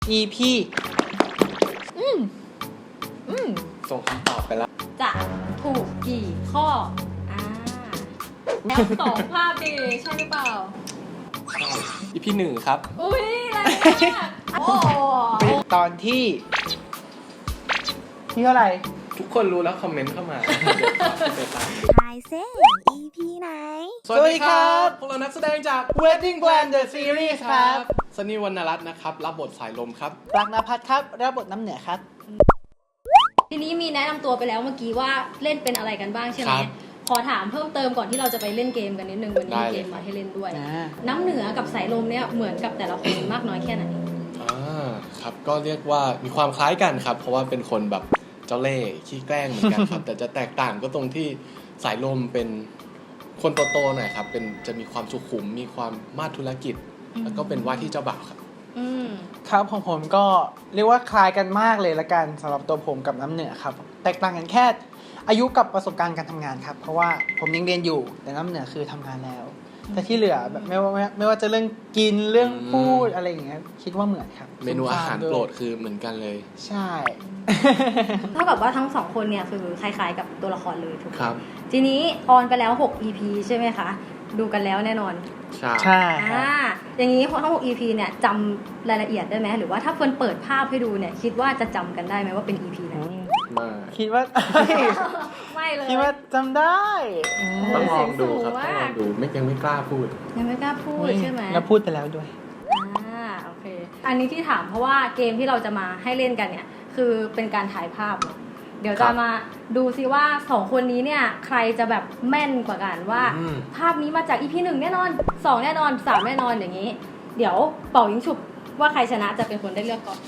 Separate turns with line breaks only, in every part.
EP
ส่งคำตอบไปแล้ว
จะถูกกี่ข้อแล้วสองภาพดีใช่หรือเปล่า
ใช่ EP 1 ครับ
อุ้ยแรงมากโอ้
ตอนที่เท่าไหร่
ทุกคนรู้แล้วคอมเมนต์เข้ามา เดี๋ยวตามดู
ทายเซ่ EP ไหน
สวัสดีครับ พวกเรานักแสดงจาก
Wedding Plan The Series ครับ
ซันนี่วรรณรัตน์นะครับ รับบทสายลมครับ
รักนภัทรครับรับบทน้ำเหนือครับ
ทีนี้มีแนะนำตัวไปแล้วเมื่อกี้ว่าเล่นเป็นอะไรกันบ้างใช่ไหม
ครับ
ขอถามเพิ่มเติมก่อนที่เราจะไปเล่นเกมกันนิดนึงวันนี้
ได้
มี
เลย
เกมมาให้เล่นด้วย
อ่า
น้ำเหนือกับสายลมเนี่ยเหมือนกับแต่ละคนมากน้อยแค่ไหน
ครับก็เรียกว่ามีความคล้ายกันครับ เพราะว่าเป็นคนแบบเจ้าเล่ห์ขี้แกล้งเหมือนกันครับ แต่จะแตกต่างก็ตรงที่สายลมเป็นคนโตๆหน่อยครับเป็นจะมีความสุขุมมีความมาดธุรกิจ แล้วก็เป็นว่าที่เจ้าบ่าวครับ
อืม
ครับของผมก็เรียกว่าคล้ายกันมากเลยละกันสำหรับตัวผมกับน้ำเหนือครับ แตกต่างกันแค่อายุกับประสบการณ์การทำงานครับ เพราะว่าผมยังเรียนอยู่แต่น้ำเหนือคือทำงานแล้ว แต่ที่เหลือแบบไม่ว่าจะเรื่องกินเรื่องพูดอะไรอย่างเงี้ยคิดว่าเหมือนครับ
เมนูอาหารโปรดคือเหมือนกันเลย
ใช่
เท่ากับว่าทั้งสองคนเนี่ยคือคล้ายๆกับตัวละครเลยถูกไหม
ครับ
ทีนี้ออนไปแล้ว 6 EP ใช่ไหมคะ ดูกันแล้วแน่นอน
ใช่
ใช่ครับ
อย่างนี้ทั้ง6 EP เนี่ยจำรายละเอียดได้ไหมหรือว่าถ้าเฟิร์นเปิดภาพให้ดูเนี่ยคิดว่าจะจำกันได้ไหมว่าเป็น EP ไหน
มา
คิดว่า
ไม่เลย
คิดว่าจำได้
ต้องลองดูครับ
เสียงสูง
ต้องล
มา
อก งดูยังไม่กล้าพูด
ยังไม่กล้าพูดใช่ไหม
แล้วพูดไปแล้วด้วย
โอเค อันนี้ที่ถามเพราะว่าเกมที่เราจะมาให้เล่นกันเนี่ยคือเป็นการถ่ายภาพเนอะเดี๋ยว
ครั
จะ
บ
มาดูซิว่า2คนนี้เนี่ยใครจะแบบแม่นกว่ากันว่า
อืม
ภาพนี้มาจาก EP 1แน่นอน2แน่นอน3แน่นอนอย่างนี้ เดี๋ยวเป่ายิงฉุบว่าใครชนะจะเป็นคนได้เลือกก่อน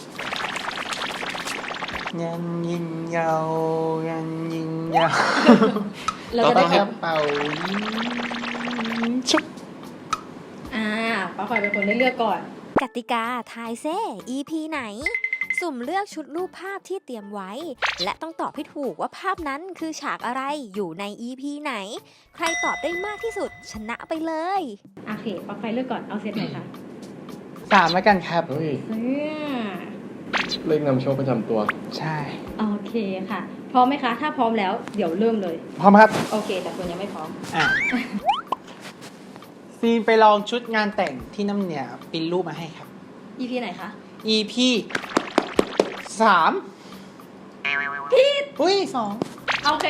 ยันยิงยาวยันยิงยาว
เรา
ต้
จะ
อง
ได้
ให้
กระเป๋ายิงชุบ
ป้าคอยเป็นคนได้เลือกก่อน
กติกาทายเซ่ EP ไหน สุ่มเลือกชุดรูปภาพที่เตรียมไว้ และต้องตอบให้ถูกว่าภาพนั้นคือฉากอะไรอยู่ใน EP ไหน ใครตอบได้มากที่สุดชนะไปเลย
โอเคป้าคอยเลือกก่อนเอาเซตไหนคะ
3แล้วกันครับ
เฮ้ย
อืม
เลขนำโชคประจำตัว
ใช่
โอเคค่ะ พร้อมไหมคะ ถ้าพร้อมแล้วเดี๋ยวเริ่มเลย
พร้อมครับ
โอเค แต่คนยังไม่พร้อม
อ่ะ ซีนไปลองชุดงานแต่งที่น้ำเหนือปริ้นรูปมาให้ครับ
EP ไหนคะ
EP 3ผิดอุ้ย2
โอเค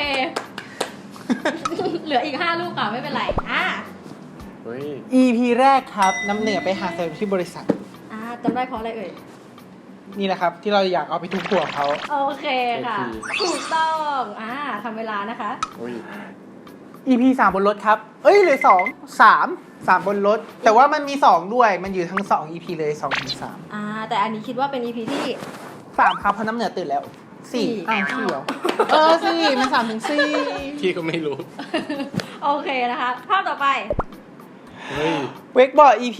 เหลืออีก5ลูกค่ะไม่เป็นไร
เฮ้ย
EP แรกครับ น้ำเหนือไปหาแฟนที่บริษัท
จำได้เพราะอะไรเอ่ย
นี่แหละครับ ที่เราอยากเอาไปทุบหัวเขา
โอเคค่ะ ถูกต้องทำเวลานะคะ
เฮ้ย
EP 3 บนรถครับ เอ้ยเหลย3 บนรถ แต่ว่ามันมี 2 ด้วย มันอยู่ทั้ง 2 EP เลย2ถึง3
แต่อันนี้คิดว่าเป็น EP ที่
3ครับเพราะน้ำเหนือตื่นแล้ว
สี่
4อ้าว4เหรอ4มัน3ถึง4
พี่ก็ไม่รู้
โอเคนะคะ ภาพต่อไป
เฮ้ย
เวกบอร์ด EP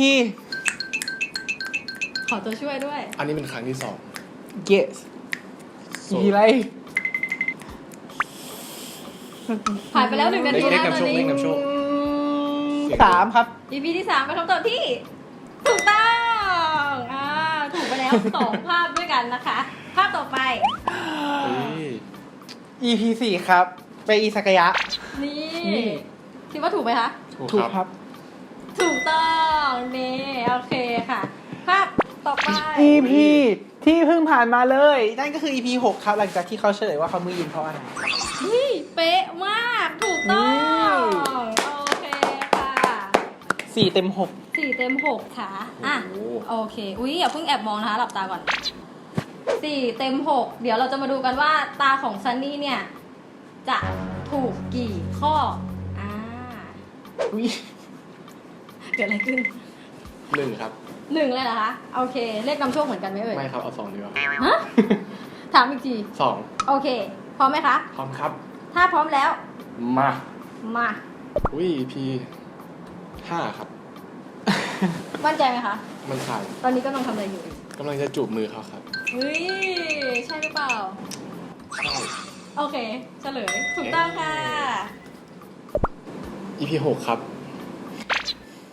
ขอตัวช่วยด้วย
อันนี้เป็นครั้งที่
yes EP อะไร
ผ่านไปแล้ว1 นาที
เล
แล้
ข
วต
นำ
อ
โช
น
ค
นี้
เลขนำโชค
3 ครับ
EP ที่3เป็นคำตอบที่ ถูกต้องถูกไปแล้ว 2 ภาพด้วยกันนะคะ ภาพต่อไป
เฮ้ย
EP 4 ครับ ไปอิซากายะ
นี่
นี่
คิดว่าถูกไหมคะ
ถูกครับ
ถูกต้องนี่โอเคค่ะ ภาพต่อไป
EP ที่เพิ่งผ่านมาเลย นั่นก็คือ EP 6 ครับ หลังจากที่เขาเฉลยว่าเขามือยิงเพราะอะไร
เฮ้ยเป๊ะมาก ถูกต้องโอเคค่ะ
4 เต็ม
4 เต็ม 6 ค่ะโอเคอุ๊ยอย่าเพิ่งแอบมองนะคะหลับตาก่อน4 เต็ม 6 เดี๋ยวเราจะมาดูกันว่าตาของซันนี่เนี่ยจะถูกกี่ข้อ
6อุ้ย
เกิดอะไรขึ้น
1 ครับ
1เลยเหรอคะโอเคเลขนำโชคเหมือนกันไหมเอ่ย
ไม่ครับ เอา 2 ดีกว่า
ฮะถามอีกที
2
โอเค พร้อมไหมคะ
พร้อมครับ
ถ้าพร้อมแล้ว
มา
มา
อุ้ย EP 5 ครับ
มั่นใจไหมคะ
มันถ่าย
ตอนนี้กำลังทำอะไรอยู่
กำลังจะจูบมือเขาครับ
เฮ้ย ใช่หรือเปล่า
ใช่
โอเค เฉลย ถูกต้องค่ะ
EP 6 ครับ
ก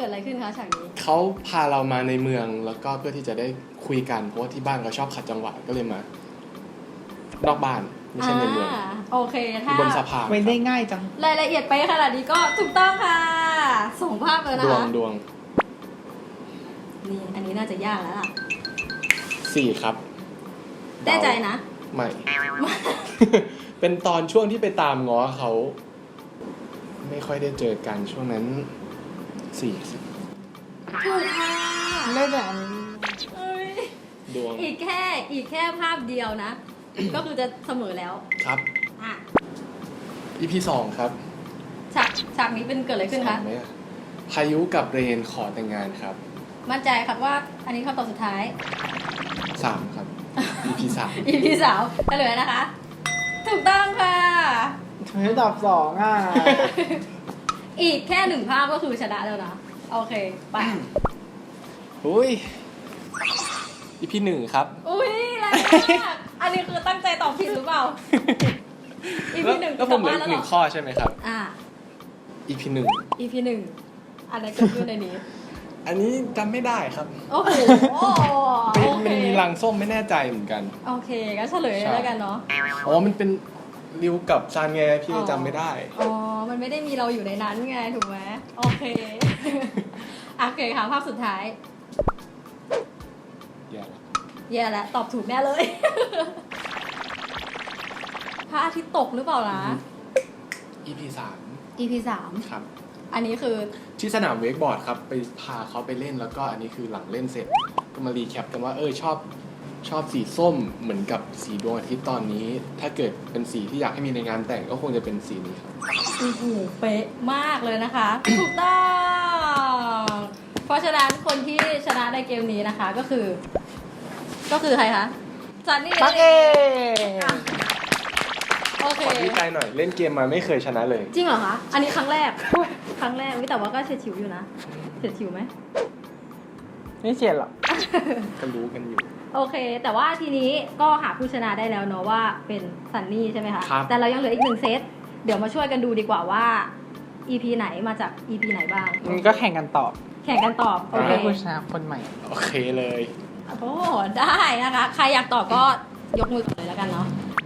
กิดอะไรขึ้นคะฉากนี้
เขาพาเรามาในเมืองแล้วก็เพื่อที่จะได้คุยกันเพราะว่าที่บ้านเขาชอบขัดจังหวะก็เลยมานอกบ้านไม่ใช่ในเมือง
โอเคถ้า
บนสะพาน
ไม่ได้ง่ายจัง
รายละเอียดไปขนาดนี้ก็ถูกต้องค่ะส่งภาพเลยนะ
ดวง
คะ
ดวง
นี่อันนี้น่าจะยากแล้วล่ะ
4 ครับ
แน่ใจนะ
ไม่ เป็นตอนช่วงที่ไปตามง้อเขา ไม่ค่อยได้เจอกันช่วงนั้น4
ถูกค่ะ
ได้แต่อันนี้
เอ้ย
ดวง
อีกแค่ภาพเดียวนะ ก็คือจะเสมอแล้ว
ครับ
อ่ะ
EP 2 ครับ
ฉากนี้เป็นเกิดอะไรขึ้นคะ
สามไหมอะพายุกับเรนขอแต่งงานครับ
มั่นใจครับว่าอันนี้คำตอบสุดท้าย
3 ครับ EP 3
EP สาวเฉลยนะคะ ถูกต้องค่ะ
ทำไมไม่ตอบ2อ่ะ
อีกแค่1ภาพก็คือชนะแล้วนะ โอเค ไป
อุ้ย EP 1 ครับ
อุ้ยแรงมากอันนี้คือตั้งใจตอบผิดหรือเปล่า EP หนึ่ง
แล้วผมเหลือ
ตอบว่า
อีก
แล้วเหรอ
1 ข้อใช่ไหมครับ
อ่ะ
EP
EP หนึ่งอันไหนเกิดขึ้นในนี้
1 อันนี้จำไม่ได้ครับ
โอ้โหโอเค
มันมีรังส้มไม่แน่ใจเหมือนกัน
โอเคก็เฉลยแล้วกันเนาะ
อ๋อ มันเป็นริวกับซานไงพี่จำไม่ได้
อ๋อ มันไม่ได้มีเราอยู่ในนั้นไงถูกไหมโอเค โอเคค่ะภาพสุดท้าย
อย่าละ
แย่แล้วตอบถูกแน่เลย พระอาทิตย์ตกหรือเปล่านะ
EP
EP 3
3 ครับ
อันนี้คือ
ที่สนามเวกบอร์ดครับ ไปพาเขาไปเล่นแล้วก็อันนี้คือหลังเล่นเสร็จ ก็มารีแคปกันว่าชอบสีส้มเหมือนกับสีดวงอาทิตย์ตอนนี้ ถ้าเกิดเป็นสีที่อยากให้มีในงานแต่งก็คงจะเป็นสีนี้ครับ
โอ้โหเป๊ะมากเลยนะคะ ถูกต้อง เพราะฉะนั้นคนที่ชนะในเกมนี้นะคะก็คือใครคะซันนี่
ปักเอ
อ่ะโอเค
ขอดีใจหน่อยเล่นเกมมาไม่เคยชนะเลย
จริงเหรอคะ อันนี้ครั้งแรก ครั้งแรกอุ๊ยแต่ว่าก็เฉียดฉิวอยู่นะเฉียดฉิวไหม
ไม่เฉียดหรอก
ก็รู้กันอยู่
โอเค แต่ว่าทีนี้ก็หาผู้ชนะได้แล้วเนาะว่าเป็นซันนี่ใช่ไหมคะ
ครับ
แต่เรายังเหลืออีก1 เซต เดี๋ยวมาช่วยกันดูดีกว่าว่า EP ไหนมาจาก EP ไหนบ้าง
มันก็แข่งกันตอบ
แข่งกันตอบ โอเค
ให้ผู้ชนะคนใหม่
โอเคเลย
โอ้ได้นะคะ ใครอยากตอบก็ยกมือก่อนเลยแล้วกันเนาะ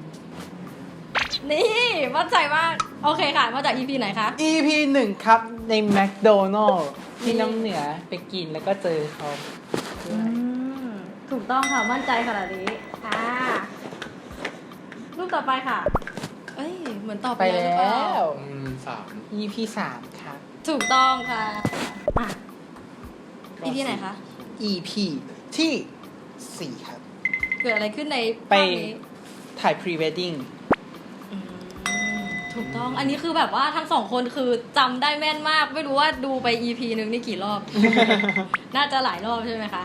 นี่มั่นใจมาก โอเคค่ะ มาจาก EP ไหนคะ
EP 1 ครับในแมคโดนัลล์ที่น้ำเหนือไปกินแล้วก็เจอเขา
ถูกต้องค่ะ มั่นใจขนาดนี้รูปต่อไปค่ะ เอ้ย เหมือนตอบ
ไป
ไปแล้วหรือเป
แล้
ล่า
ว
3
EP 3 ครับ
ถูกต้องค่ะอ่ะ EP ไหนคะ
EP ที่ 4 ครับ
เกิดอะไรขึ้นใน
ไป
ภาพนี้
ถ่าย pre wedding
อืมถูกต้อง อันนี้คือแบบว่าทั้งสองคนคือจำได้แม่นมาก ไม่รู้ว่าดูไป EP นึงนี่กี่รอบ น่าจะหลายรอบใช่ไหมคะ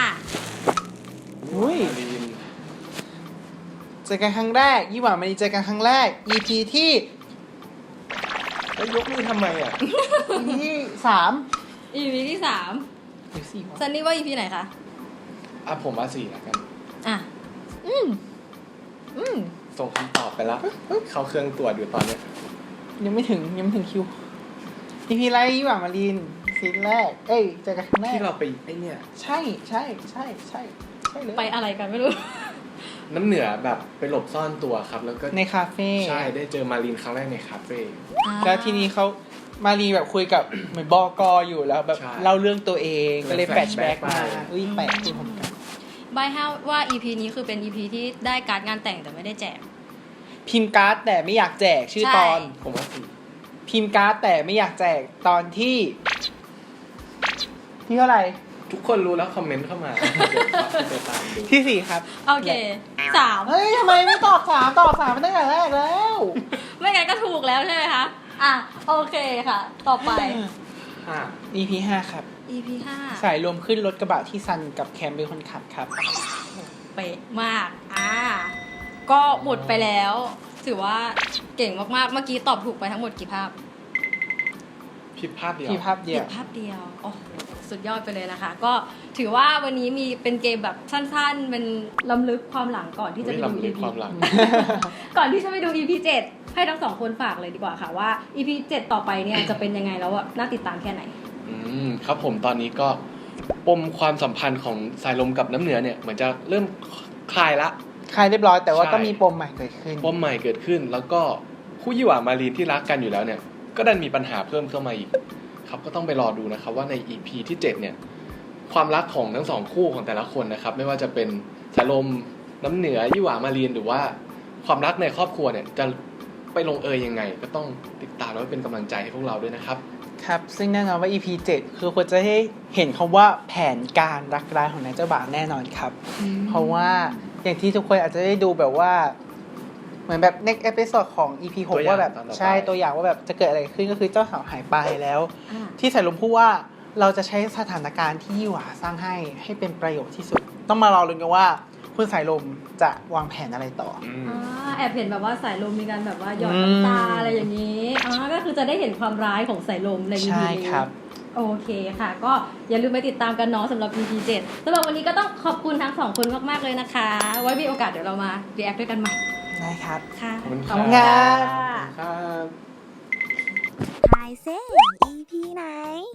อุ้ย
ลีน
เจอกันครั้งแรกยี่หว่ามันเจอกันครั้งแรก EP ที่
แล้วยกมือทำไมอ่ะ
EP ที่3
EP ที่3
หรือ4วะ
ซันนี่ว่า EP ไหนคะ
ผมว่า4แล้วกัน
อ่ะ
อืม
ส่งคำตอบไปแล้ว เข้าเครื่องตรวจอยู่ตอนเนี้ย
ยังไม่ถึงคิว EP ไรยี่หว่ามารีนซีนแรก เอ้ยเจอกันครั้งแรก
ที่เราไปไอเนี่ย
ใช่เลย
ไปอะไรกันไม่รู้
น้ำเหนือแบบไปหลบซ่อนตัวครับ แล้วก็
ในคาเฟ่
ใช่ได้เจอมารีนครั้งแรกในคาเฟ่
แล้วทีนี้เขามารีแบบคุยกับเหมือนบอกออยู่แล้วแบบ
ใช่
เล่าเรื่องตัวเองก็เลยแฟลชแบ็ก
flashback
มา
ไป
อุ้ยแปลกคือผมกัน
ใบให้ว่า EP นี้คือเป็น EP ที่ได้การ์ดงานแต่งแต่ไม่ได้แจก
พิมพ์การ์ดแต่ไม่อยากแจกชื่อ
ใช่
ตอน
ผมว่า
พิมพ์การ์ดแต่ไม่อยากแจกตอนที่เท่าไหร่
4ทุกคนรู้แล้วคอมเมนต์เข้ามา เดี๋ยวไปตามดู
ที่ 4 ครับ
โอเค3
เฮ้ยทำไมไม่ตอบ3ตอบ3มาตั้งแต่แรกแล้ว
ไม่งั้นก็ถูกแล้วใช่ไหมคะ โอเคค่ะ ต่อไป
5
EP 5 ครับ
EP 5
สายรวมขึ้นรถกระบะที่ซันกับแคมเป็นคนขับครับ
เป๊ะมาก ก็หมดไปแล้ว ถือว่าเก่งมากๆ เมื่อกี้ตอบถูกไปทั้งหมดกี่ภาพ
ผิดภาพเดียว
ที่ภาพเดียว
ผิดภาพเดียว โอ้โหสุดยอดไปเลยนะคะ ก็ถือว่าวันนี้มีเป็นเกมแบบสั้นๆ เป็นล้ำลึกความหลังก่อนที่จะไปดู
ลำลึก
EP
ความหลัง
ก่อนที่จะไปดู EP 7 ให้ทั้งสองคนฝากเลยดีกว่าค่ะว่า EP 7 ต่อไปเนี่ยจะเป็นยังไงแล้วอะน่าติดตามแค่ไหน
ครับผมตอนนี้ก็ปมความสัมพันธ์ของสายลมกับน้ำเหนือเนี่ยเหมือนจะเริ่มคลายละ
คลายเรียบร้อยแต่ว่า
ใช่
ก็มีปมใหม่เกิดขึ้น
ปมใหม่เกิดขึ้น แล้วก็คู่ยี่หว่ามารีนที่รักกันอยู่แล้วเนี่ยก็ดันมีปัญหาเพิ่มเข้ามาอีกครับก็ต้องไปรอดูนะครับว่าใน EP ที่ 7 เนี่ยความรักของทั้งสองคู่ของแต่ละคนนะครับไม่ว่าจะเป็นสายลมน้ำเหนือยี่หว่ามารีนหรือว่าความรักในครอบครัวเนี่ยจะไปลงเอยยังไง ก็ต้องติดตามแล้วเป็นกำลังใจให้พวกเราด้วยนะครับ
ครับซึ่งแน่นอนว่า EP 7 คือควรจะให้เห็นคำว่าแผนการรักร้ายของนายเจ้าบ่าวแน่นอนครับ เพราะว่าอย่างที่ทุกคนอาจจะได้ดูแบบว่าเหมือนแบบ next episode ของ EP
ตัวอย่าง
6ว่าแบบ
ตอนต่อไป
ใช่ตัวอย่างว่าแบบจะเกิดอะไรขึ้นก็คือเจ้าสาวหายไปแล้ว
อ่า
ที่สายลมพูดว่าเราจะใช้สถานการณ์ที่ยี่หว่าสร้างให้เป็นประโยชน์ที่สุด ต้องมารอลุ้นกันว่าคุณสายลมจะวางแผนอะไรต่อ
แอบเห็นแบบว่าสายลมมีการแบบว่าหยอดน้ำตาอะไรอย่างนี้ก็คือจะได้เห็นความร้ายของสายลมใน EP
ใช่
นี้
ครับ
โอเคค่ะ ก็อย่าลืมไปติดตามกันเนาะสำหรับ EP 7สำหรับวันนี้ก็ต้องขอบคุณทั้งสองคนมากๆเลยนะคะ ไว้มีโอกาสเดี๋ยวเรามา react ด้วยกันใหม่
ได้ครับ
ค่ะ
ขอบคุณ
ข
ค
อบ
รับ
คุณครับ
ครับ
ทายเซ่ EP ไหน